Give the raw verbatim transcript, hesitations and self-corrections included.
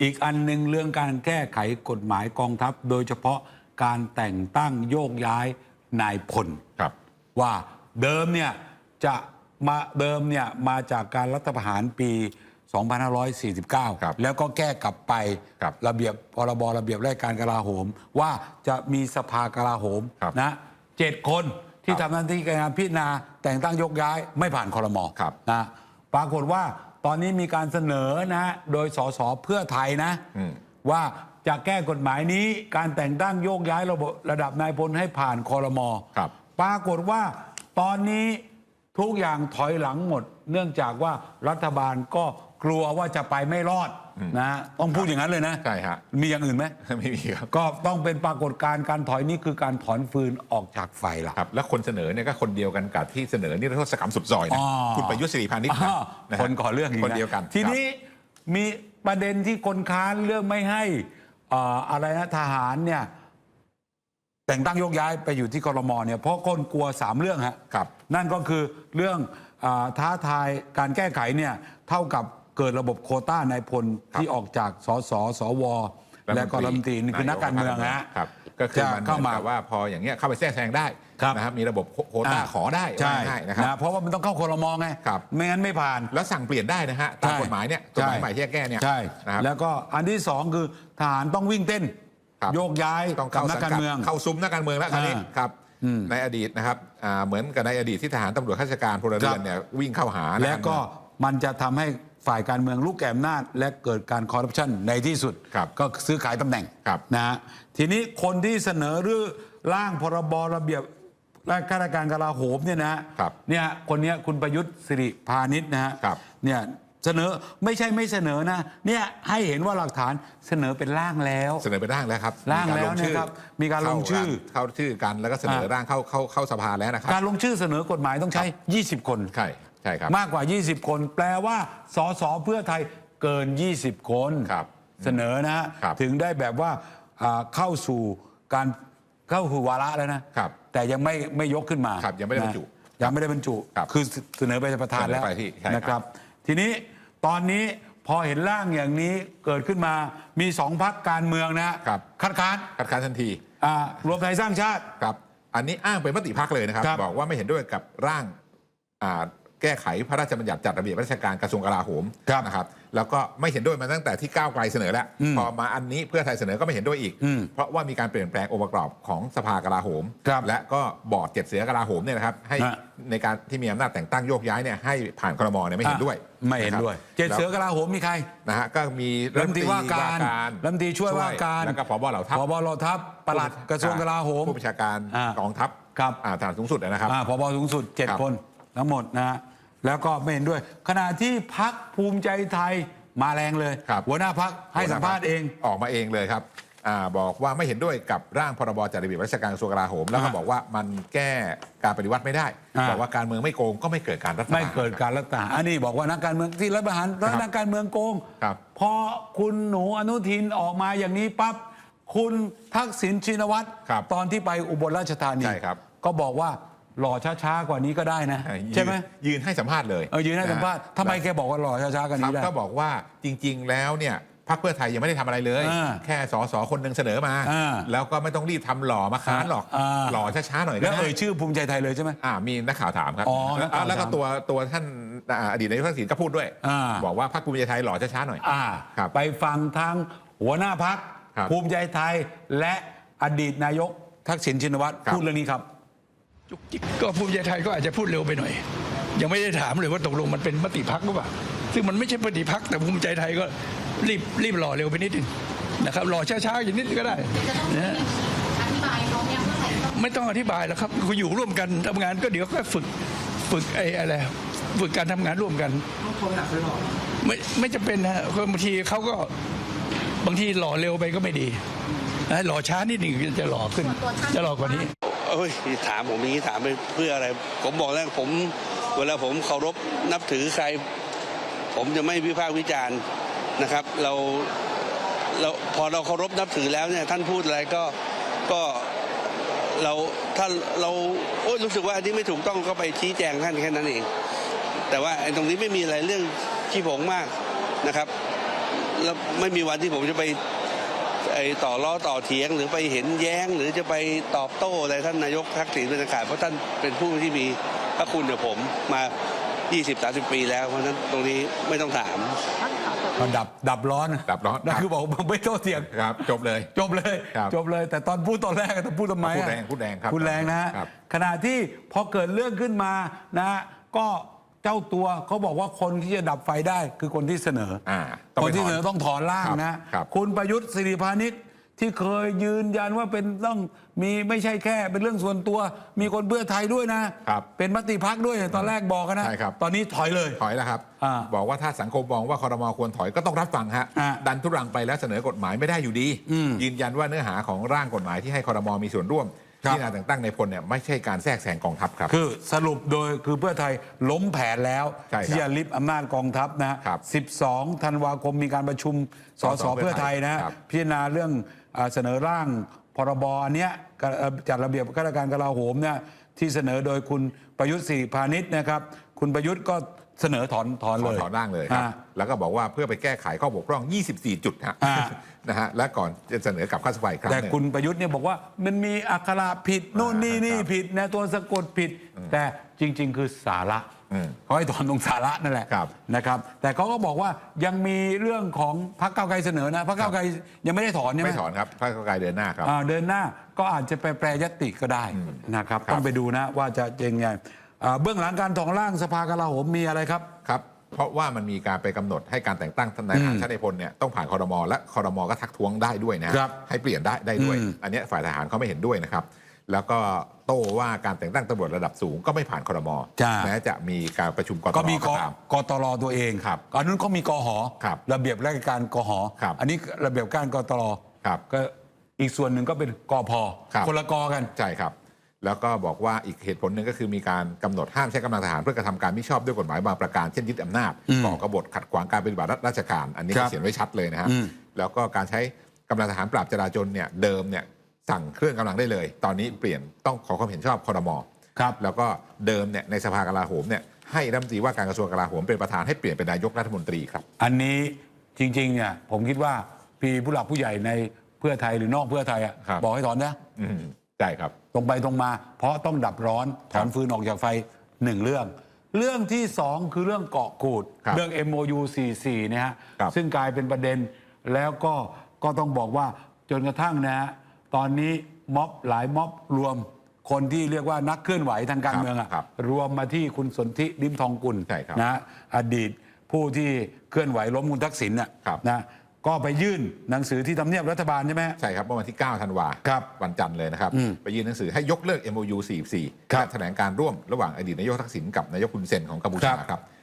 อีกอันหนึ่งเรื่องการแก้ไขกฎหมายกองทัพโดยเฉพาะการแต่งตั้งโยกย้ายนายพลครับว่าเดิมเนี่ยจะมาเดิมเนี่ยมาจากการรัฐประหารปี สองพันห้าร้อยสี่สิบเก้า แล้วก็แก้กลับไประระเบียบพรบระเบียบราชการกลาโหมว่าจะมีสภากลาโหมนะเจ็ดคนที่ทำหน้าที่การพิจารณาแต่งตั้งยกย้ายไม่ผ่านครม.นะปรากฏว่าตอนนี้มีการเสนอนะโดยสสเพื่อไทยนะว่าจะแก้กฎหมายนี้การแต่งตั้งโยกย้ายระบบระดับนายพลให้ผ่านครม.ปรากฏว่าตอนนี้ทุกอย่างถอยหลังหมดเนื่องจากว่ารัฐบาลก็กลัวว่าจะไปไม่รอดนะต้องพูดอย่างนั้นเลยนะใช่ฮะมีอย่างอื่นไหมไม่มีครับก็ต้องเป็นปรากฏการณ์การถอยนี้คือการถอนฟืนออกจากไฟล่ะครับแล้วคนเสนอเนี่ยก็คนเดียวกันกับที่เสนอนี่รัฐกรรมสุดซอยนะคุณประยุทธ์สิริพานิชย์นะคนก่อเรื่องคนเดียวกันทีนี้มีประเด็นที่คนค้านเรื่องไม่ให้อะไรนะทหารเนี่ยแต่งตั้งโยกย้ายไปอยู่ที่ครม.เนี่ยเพราะคนกลัวสามเรื่องฮะนั่นก็คือเรื่องท้าทายการแก้ไขเนี่ยเท่ากับเกิดระบบโควต้านายพลที่ออกจากสสสวและก็รัฐมนตรีนี่คือนักการเมืองนะก็คือมันเข้ามาว่าพออย่างเงี้ยเข้าไปแทรกแซงได้นะครับมีระบบโควต้าขอได้ใช่นะครับเพราะว่ามันต้องเข้าครม.ไงไม่งั้นไม่ผ่านแล้วสั่งเปลี่ยนได้นะฮะตามกฎหมายเนี่ยกฎหมายใหม่ที่แก้เนี่ยใช่แล้วก็อันที่สองคือทหารต้องวิ่งเต้นโยกย้ายกับนักการเมืองเข้าซุ้มนักการเมืองแล้วคราวนี้ครับในอดีตนะครับเหมือนกับในอดีตที่ทหารตำรวจข้าราชการพลเรือนเนี่ยวิ่งเข้าหาและก็มันจะทำให้ฝ่ายการเมืองลุกแก่อำนาจและเกิดการคอร์รัปชันในที่สุดก็ซื้อขายตำแหน่งนะฮะทีนี้คนที่เสนอหรือร่างพรบระเบียบข้าราชการกลาโหมเนี่ยนะเนี่ยคนนี้คุณประยุทธ์สิริพานิชนะฮะเนี่ยเสนอไม่ใช่ไม่เสนอนะเนี่ยให้เห็นว่าหลักฐานเสนอเป็นร่างแล้วเสนอเป็นร่างแล้วครับร่างแล้วนะครับมีการลงชื่อเข้าชื่อกันแล้วก็เสนอร่างเข้าเข้าเข้าสภาแล้วนะครับการลงชื่อเสนอกฎหมายต้องใช้ยี่สิบคนใช่ใช่ครับมากกว่ายี่สิบคนแปลว่าสสเพื่อไทยเกินยี่สิบคนเสนอนะถึงได้แบบว่าเข้าสู่การเข้าสู่วาระแล้วนะแต่ยังไม่ไม่ยกขึ้นมายังไม่ได้บรรจุยังไม่ได้บรรจุคือเสนอไปประธานแล้วนะครับทีนี้ตอนนี้พอเห็นร่างอย่างนี้เกิดขึ้นมามีสองพรรคการเมืองนะคัดค้านคัดค้านทันทีรวมไทยสร้างชาติครับอันนี้อ้างเป็นมติพรรคเลยนะครับบอกว่าไม่เห็นด้วยกับร่างแก้ไขพระราชบัญญัติจัดระเบียบราชการกระทรวงกลาโหมนะครับแล้วก็ไม่เห็นด้วยมาตั้งแต่ที่ก้าวไกลเสนอแล้วพอมาอันนี้เพื่อไทยเสนอก็ไม่เห็นด้วยอีกเพราะว่ามีการเปลี่ยนแปลงองค์ประกอบของสภากลาโหมและก็บอร์ดเจ็ดเสือกลาโหมเนี่ยนะครับให้ในการที่มีอำนาจแต่งตั้งโยกย้ายเนี่ยให้ผ่านครม.เนี่ยไม่เห็นด้วยไม่เห็นด้วยเจ็ดเสือกลาโหมมีใครนะฮะก็มีรัฐมนตรีว่าการรัฐมนตรีช่วยว่าการแล้วก็ผบ.เหล่าทัพผบ.เหล่าทัพปลัดกระทรวงกลาโหมผู้บัญชาการกองทัพครับฐานสูงสุดนะครับผบ.สูงสุดเจ็ดคนทั้งหมดนะแล้วก็ไม่เห็นด้วยขณะที่พรรคภูมิใจไทยมาแรงเลยหัวหน้าพรรคให้สัมภาษณ์เองออกมาเองเลยครับบอกว่าไม่เห็นด้วยกับร่างพรบจัดระเบียบราชการกระทรวงกลาโหมแล้วก็บอกว่ามันแก้การปฏิวัติไม่ได้บอกว่าการเมืองไม่โกงก็ไม่เกิดการรัฐประหารไม่เกิดการรัฐประหารอันนี้บอกว่านักการเมืองที่รัฐประหารแล้วนักการเมืองโกงพอคุณหนูอนุทินออกมาอย่างนี้ปั๊บคุณทักษิณชินวัตรตอนที่ไปอุบลราชธานีก็บอกว่าหล่อช้าๆกว่านี้ก็ได้นะใช่ไหมยืนให้สัมภาษณ์เลยเออยืนให้สัมภาษณ์ทำไมแกบอกว่าหล่อช้าๆกว่านี้ได้ก็บอกว่าจริงๆแล้วเนี่ยพรรคเพื่อไทยยังไม่ได้ทำอะไรเลยแค่สสคนหนึ่งเสนอมาแล้วก็ไม่ต้องรีบทำหล่อมาค้านหรอกหล่อช้าๆหน่อยแล้วเอ่ยชื่อภูมิใจไทยเลยใช่ไหมอ่ามีนักข่าวถามครับแล้วก็ตัวตัวท่านอดีตนายกทักษิณก็พูดด้วยบอกว่าพรรคภูมิใจไทยหล่อช้าๆหน่อยไปฟังทางหัวหน้าพรรคภูมิใจไทยและอดีตนายกทักษิณชินวัตรพูดเรื่องนี้ครับจุกจิกก็ภูมิใจไทยก็อาจจะพูดเร็วไปหน่อยยังไม่ได้ถามเลยว่าตกลงมันเป็นมติพักหรือเปล่าซึ่งมันไม่ใช่มติพักแต่ภูมิใจไทยก็รีบรีบหล่อเร็วไปนิดนึงนะครับหล่อช้าๆอย่างนิดก็ได้นะอธิบายเขาเนี่ยไม่ต้องอธิบายแล้วครับคุณอยู่ร่วมกันทำงานก็เดี๋ยวก็ฝึกฝึกไอ้อะไรฝึกการทำงานร่วมกันไม่ไม่จำเป็นนะบางทีเขาก็บางทีหล่อเร็วไปก็ไม่ดีหล่อช้านิดหนึ่งจะหล่อขึ้นจะหล่อกว่านี้เอ้ยถามผมนี้ถามไปเพื่ออะไรผมบอกแล้วผมเวลาผมเคารพนับถือใครผมจะไม่วิพากษ์วิจารณ์นะครับเราเราพอเราเคารพนับถือแล้วเนี่ยท่านพูดอะไรก็ก็เราถ้าเราโอ้ยรู้สึกว่าอันนี้ไม่ถูกต้องก็ไปชี้แจงท่านแค่นั้นเองแต่ว่าตรงนี้ไม่มีอะไรเรื่องขี้ผงมากนะครับแล้วไม่มีวันที่ผมจะไปไอ้ต่อล้อต่อเถียงหรือไปเห็นแย้งหรือจะไปตอบโต้อะไรท่านนายกทักษิณเป็นขาดเพราะท่านเป็นผู้ที่มีพระคุณกับผมมา ยี่สิบ สามสิบ ปีแล้วเพราะฉะนั้นตรงนี้ไม่ต้องถามก็ดับดับร้อนดับร้อนนั่นคือบอกไม่โต้เถียงครับจบเลยจบเลยครับจบเลย แต่ตอนพูดตอนแรกต้องพูดทำไมพูดอะแรงพูดแรงครับพูดแรงนะฮะครับขณะที่พอเกิดเรื่องขึ้นมานะฮะก็เจ้าตัวเขาบอกว่าคนที่จะดับไฟได้คือคนที่เสนออ่าต้องคไปนที่ถอนเสนอต้องถอนร่างครับนะครับ คุณประยุทธ์สิริพานิชที่เคยยืนยันว่าเป็นต้องมีไม่ใช่แค่เป็นเรื่องส่วนตัว มีคนเพื่อไทยด้วยนะครับ เป็นมติพักด้วยตอนแรกบอกกันนะใช่ครับตอนนี้ถอยเลยถอยแล้วครับอ่าบอกว่าถ้าสังคมมองว่าคอรมอควรถอยก็ต้องรับฟังฮะอ่าดันทุรังไปแล้วเสนอกฎหมายไม่ได้อยู่ดีอืมยืนยันว่าเนื้อหาของร่างกฎหมายที่ให้คอรมอมีส่วนร่วมครับที่นาแต่งตั้งในพลเนี่ยไม่ใช่การแทรกแซงกองทัพครับคือสรุปโดยคือเพื่อไทยล้มแผนแล้วใช่ครับที่จะลิบอำนาจกองทัพนะครับ สิบสองธันวาคมมีการประชุมสสเพื่อไทยนะครับ พิจารณาเรื่องอ่าเสนอร่างพรบอันเนี้ยกเอ่อจัดระเบียบข้าราชการกลาโหมเนี่ยที่เสนอโดยคุณประยุทธ์สิริพานิชนะครับ คุณประยุทธ์ก็เสนอถอนถอนถเลอนยถอนร่างเลยครับอ่าแล้วก็บอกว่าเพื่อไปแก้ไขข้อบกพร่อง ยี่สิบสี่ จุดฮะอ่านะฮะและก่อนจะเสนอกลับเข้าสภาอีกครั้งแต่หนึ่งคุณประยุทธ์เนี่ยบอกว่ามันมีอักขระผิดโน่นนี่นี่ครับผิดนะตัวสะกดผิด แต่จริง ๆ คือสาระอืมเขาให้ถอนตรงสาระนั่นแหละครับนะครับ แต่เขาก็บอกว่ายังมีเรื่องของพรรคก้าวไกลเสนอนะพรรคก้าวไกลยังไม่ได้ถอนใช่ไหมไม่ถอนครับพรรคก้าวไกลเดินหน้าครับอ่าเดินหน้าก็อาจจะไปแปรยตติก็ได้นะครับครับต้องไปดูนะว่าจะยังไงอ่าเบื้องหลังการถอนร่างสภากลาโหมมีอะไรครับครับ เพราะว่ามันมีการไปกำหนดให้การแต่งตั้งนายทหารชั้นในพลเนี่ยต้องผ่านคอรมอและคอรมอก็ทักท้วงได้ด้วยนะฮะครับให้เปลี่ยนได้ได้ด้วยอืมอันเนี้ยฝ่ายทหารเขาไม่เห็นด้วยนะครับ แล้วก็โต้ว่าการแต่งตั้งตำรวจระดับสูงก็ไม่ผ่านคอรมอจ้าแม้จะมีการประชุมกตก็รมีกก็ตามกตรตัวเองครับอันนั้นก็มีกหอครับระเบียบราชการกหอครับอันนี้ระเบียบการกตรครับก็อีกส่วนหนึ่งก็เป็นกพครับคนละกกันใช่ครับ แล้วก็บอกว่าอีกเหตุผลหนึ่งก็คือมีการกำหนดห้ามใช้กำลังทหารเพื่อกระทำการมิชอบด้วยกฎหมายบางประการเช่นยึดอำนาจอืมก่อกบฏขัดขวางการปฏิบัติราชการ อันนี้ครัก็บเขียนไว้ชัดเลยนะฮะอืมแล้วก็การใช้กำลังทหารปราบจราจรเนี่ยเดิมเนี่ยสั่งเครื่องกำลังได้เลย ตอนนี้เปลี่ยนต้องขอความเห็นชอบครม. ครับแล้วก็เดิมเนี่ยในสภากลาโหมเนี่ยให้รัฐมนตรีว่าการกระทรวงกลาโหมเป็นประธานให้เปลี่ยนเป็นนายกรัฐมนตรีครับอันนี้จริงๆเนี่ยผมคิดว่าพี่ผู้หลักผู้ใหญ่ในเพื่อไทยหรือนอกเพื่อไทยอะครับบอกให้ถอนนะอืมใช่ครับตรงไปตรงมา เพราะต้องดับร้อนถอนครับฟืนออกจากไฟหนึ่งเรื่อง เรื่องที่สองคือเรื่องเกาะกูดครับเรื่อง เอ็ม โอ ยู สี่สิบสี่เนี่ยฮะครับซึ่งกลายเป็นประเด็นแล้วก็ก็ต้องบอกว่าจนกระทั่งนะฮะตอนนี้ม็อบหลายม็อบรวมคนที่เรียกว่านักเคลื่อนไหวทางการเมืองอะครับรวมมาที่คุณสนธิริมทองกุลใช่ครับนะฮะอดีตผู้ที่เคลื่อนไหวล้มคุณทักษิณน่ะครับนะก็ไปยื่นหนังสือที่ทำเนียบรัฐบาลใช่ไหมฮะใช่ครับเมื่อวันที่ เก้า ธันวาครับวันจันทร์เลยนะครับอืมไปยื่นหนังสือให้ยกเลิก เอ็ม โอ ยู สี่สิบสี่ครับและแถลงการร่วมระหว่างอดีตนายกทักษิณกับนายกฮุนเซนของกัมพูชาครับครับ